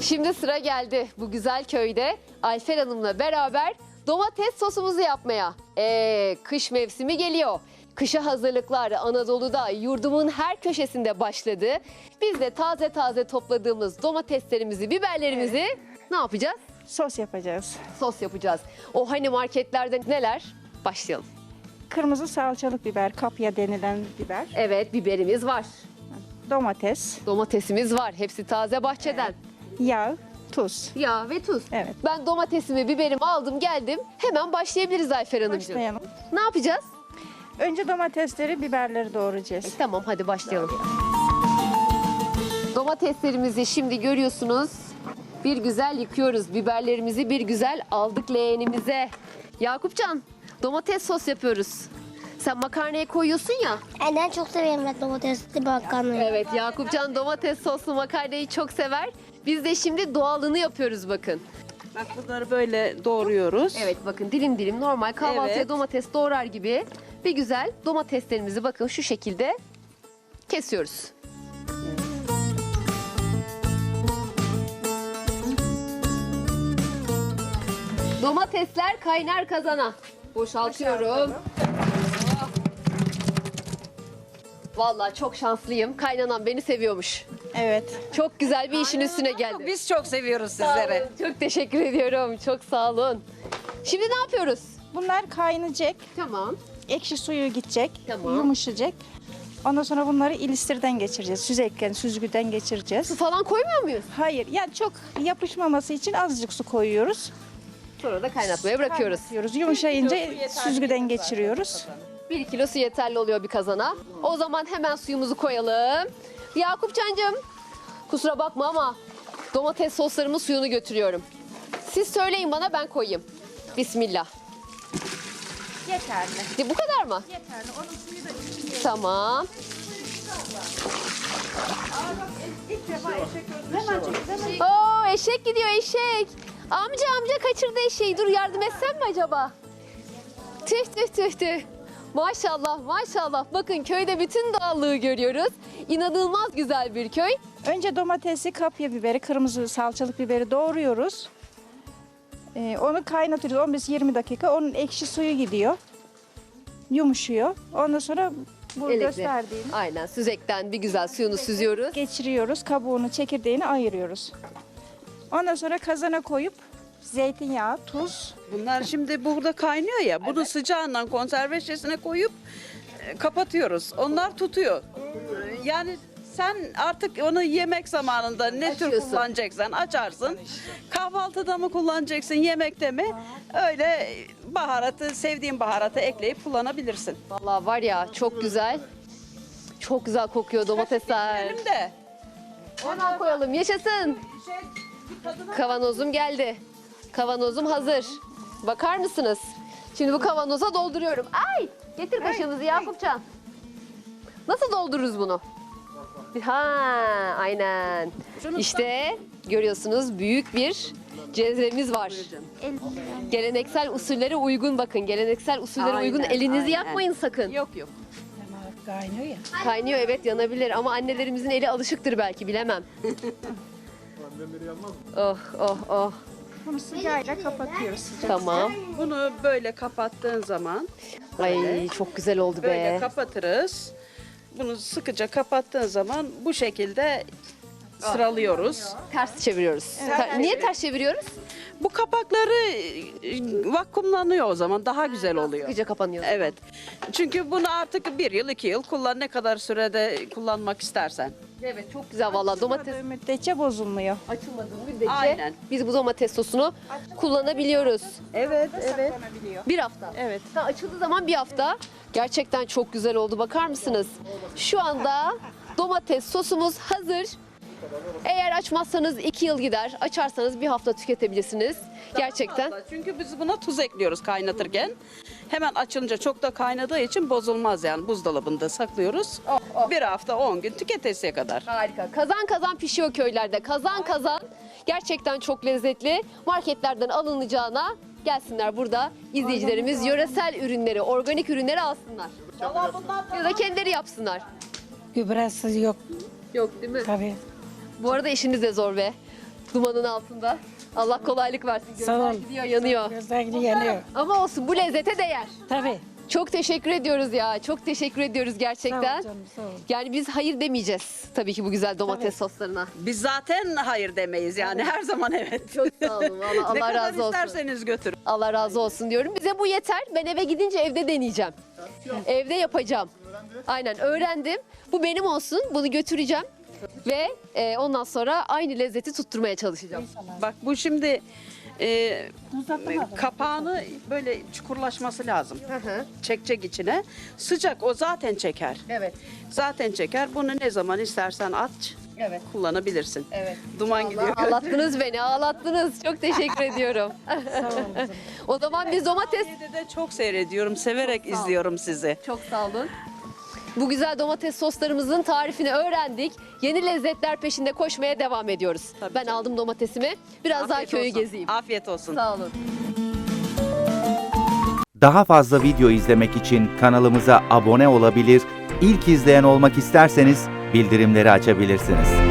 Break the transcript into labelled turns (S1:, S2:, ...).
S1: Şimdi sıra geldi bu güzel köyde Ayfer Hanım'la beraber domates sosumuzu yapmaya. Kış mevsimi geliyor. Kışa hazırlıklar Anadolu'da yurdumun her köşesinde başladı. Biz de taze taze topladığımız domateslerimizi, biberlerimizi ne yapacağız?
S2: Sos yapacağız.
S1: Sos yapacağız. O hani marketlerde neler? Başlayalım.
S2: Kırmızı salçalık biber, kapya denilen biber,
S1: Evet, biberimiz var.
S2: domates,
S1: Domatesimiz var. Hepsi taze bahçeden.
S2: yağ, tuz.
S1: Yağ ve tuz.
S2: Evet.
S1: Ben domatesimi, biberimi aldım geldim. Hemen başlayabiliriz Ayfer Hanımcığım.
S2: Başlayalım.
S1: Ne yapacağız?
S2: Önce domatesleri, biberleri doğrayacağız.
S1: Tamam, hadi başlayalım. Domateslerimizi şimdi görüyorsunuz. Bir güzel yıkıyoruz. Biberlerimizi bir güzel aldık leğenimize. Yakupcan, domates sos yapıyoruz. Sen makarnaya koyuyorsun ya.
S3: Ben çok severim ben domatesli makarnayı.
S1: Evet, Yakupcan domates soslu makarnayı çok sever. Biz de şimdi doğalını yapıyoruz bakın.
S4: Bak bunları böyle doğruyoruz.
S1: Evet, bakın dilim dilim normal kahvaltıya
S4: Evet.
S1: domates doğrar gibi bir güzel domateslerimizi bakın şu şekilde kesiyoruz. Domatesler kaynar kazana. Boşaltıyorum. Vallahi çok şanslıyım. Kaynanan beni seviyormuş.
S2: Evet.
S1: Çok güzel bir işin üstüne geldi.
S4: Biz çok seviyoruz
S1: Sağ
S4: sizleri.
S1: olun, çok teşekkür ediyorum. Çok sağ olun. Şimdi ne yapıyoruz?
S2: Bunlar kaynayacak,
S1: Tamam.
S2: ekşi suyu gidecek,
S1: Tamam.
S2: yumuşayacak. Ondan sonra bunları ilistirden geçireceğiz. Süzgeçten, süzgüden geçireceğiz.
S1: Su falan koymuyor muyuz?
S2: Hayır, yani çok yapışmaması için azıcık su koyuyoruz.
S1: Sonra da kaynatmaya bırakıyoruz.
S2: Kaynatıyoruz. Yumuşayınca süzgüden geçiriyoruz.
S1: 1 kilo su yeterli oluyor bir kazana. O zaman hemen suyumuzu koyalım. Yakupcancığım, kusura bakma ama domates soslarımın suyunu götürüyorum. Siz söyleyin bana, ben koyayım. Bismillah.
S2: Yeterli.
S1: Bu kadar mı?
S2: Yeterli. Onun suyu da içinde.
S1: Tamam.
S2: İlk defa eşek hemen çekeceğim.
S1: Oo, eşek gidiyor, eşek. Amca kaçırdı eşeği. Dur, yardım etsem mi acaba? Tüh tüh tüh tüh. Maşallah maşallah. Bakın köyde bütün doğallığı görüyoruz. İnanılmaz güzel bir köy.
S2: Önce domatesi, kapya biberi, kırmızı salçalık biberi doğruyoruz. Onu kaynatıyoruz 15-20 dakika. Onun ekşi suyu gidiyor. Yumuşuyor. Ondan sonra bu
S1: Elekle.
S2: gösterdiğim
S1: Aynen, süzekten bir güzel suyunu süzüyoruz.
S2: geçiriyoruz. Kabuğunu, çekirdeğini ayırıyoruz. Ondan sonra kazana koyup zeytinyağı, tuz.
S4: Bunlar şimdi burada kaynıyor ya. Bunu sıcağından konserve şişesine koyup kapatıyoruz. Onlar tutuyor. Yani sen artık onu yemek zamanında ne tür
S1: Açıyorsun.
S4: kullanacaksan açarsın. Kahvaltıda mı kullanacaksın, yemekte mi? Öyle baharatı, sevdiğin baharatı ekleyip kullanabilirsin.
S1: Vallahi var ya, çok güzel. Çok güzel kokuyor domatesler.
S4: Benim de.
S1: Hemen koyalım, yaşasın. Kavanozum geldi. Kavanozum hazır. Bakar mısınız? Şimdi bu kavanoza dolduruyorum. Ay! Getir kaşığımızı Yakupcan. Nasıl doldururuz bunu? Ha, aynen. İşte görüyorsunuz, büyük bir cezvemiz var. Geleneksel usullere uygun bakın. Geleneksel usullere
S4: Aynen,
S1: uygun. Elinizi
S4: aynen.
S1: yakmayın sakın.
S4: Yok yok.
S1: Kaynıyor, evet, yanabilir ama annelerimizin eli alışıktır belki, bilemem. Oh oh oh.
S2: Bunu sıcağıyla kapatıyoruz. Sıcak.
S1: Tamam.
S4: Bunu böyle kapattığın zaman
S1: Ay, çok güzel oldu
S4: böyle
S1: be.
S4: kapatırız. Bunu sıkıca kapattığın zaman bu şekilde sıralıyoruz.
S1: Ters çeviriyoruz. Niye ters çeviriyoruz?
S4: Bu kapakları vakumlanıyor, o zaman daha güzel oluyor.
S1: Sıkıca kapanıyor.
S4: Evet. Çünkü bunu artık 1 yıl 2 yıl kullan, ne kadar sürede kullanmak istersen.
S1: Evet, çok güzel vallahi domates
S2: Açılmadığı müddetçe bozulmuyor.
S1: açılmadığı müddetçe
S4: Aynen.
S1: biz bu domates sosunu kullanabiliyoruz.
S4: Evet, evet.
S2: Saklanabiliyor.
S1: Bir hafta.
S2: Evet.
S1: Ha, açıldığı zaman bir hafta. Gerçekten çok güzel oldu. Bakar mısınız? Şu anda domates sosumuz hazır. Eğer açmazsanız 2 yıl gider. Açarsanız bir hafta tüketebilirsiniz. Gerçekten.
S4: Çünkü biz buna tuz ekliyoruz kaynatırken. Hemen açılınca çok da kaynadığı için bozulmaz, yani buzdolabında saklıyoruz. Bir hafta 10 gün tüketesiye kadar.
S1: Harika. Kazan kazan pişiyor köylerde. Kazan kazan. Gerçekten çok lezzetli. Marketlerden alınacağına gelsinler burada. İzleyicilerimiz yöresel ürünleri, organik ürünleri alsınlar. Ya da kendileri yapsınlar.
S5: Gübresi yok
S1: Yok değil mi?
S5: tabii.
S1: Bu arada işiniz de zor be. dumanın altında. Allah kolaylık versin. Gözler
S5: Sağ ol.
S1: gidiyor, yanıyor.
S5: Gözler gibi yanıyor.
S1: Ama olsun, bu lezzete değer.
S5: Tabii.
S1: Çok teşekkür ediyoruz ya. Çok teşekkür ediyoruz
S5: Sağ ol
S1: gerçekten.
S5: canım, sağ ol.
S1: Yani biz hayır demeyeceğiz tabii ki bu güzel domates soslarına.
S4: Biz zaten hayır demeyiz yani her zaman evet.
S1: Çok sağ olun. Allah,
S4: Ne
S1: Allah
S4: kadar
S1: razı olsun.
S4: isterseniz götürün.
S1: Allah razı olsun diyorum. Bize bu yeter. Ben eve gidince evde deneyeceğim. Evde yapacağım. Aynen, öğrendim. Bu benim olsun. Bunu götüreceğim. Ve ondan sonra aynı lezzeti tutturmaya çalışacağım.
S4: Bak bu şimdi kapağını böyle çukurlaşması lazım. Çekecek içine. Sıcak o zaten çeker.
S1: Evet.
S4: Zaten çeker. Bunu ne zaman istersen aç.
S1: Evet.
S4: Kullanabilirsin.
S1: Evet.
S4: Duman gidiyor.
S1: Ağlattınız beni, ağlattınız. Çok teşekkür ediyorum. O zaman biz domates...
S4: De çok seyrediyorum. Severek izliyorum sizi.
S1: Çok sağ olun. Bu güzel domates soslarımızın tarifini öğrendik. Yeni lezzetler peşinde koşmaya devam ediyoruz.
S4: Tabii
S1: Ben
S4: canım.
S1: aldım domatesimi. Biraz daha
S4: Afiyet
S1: köyü
S4: olsun.
S1: gezeyim.
S4: Afiyet olsun.
S1: Sağ olun.
S6: Daha fazla video izlemek için kanalımıza abone olabilir, ilk izleyen olmak isterseniz bildirimleri açabilirsiniz.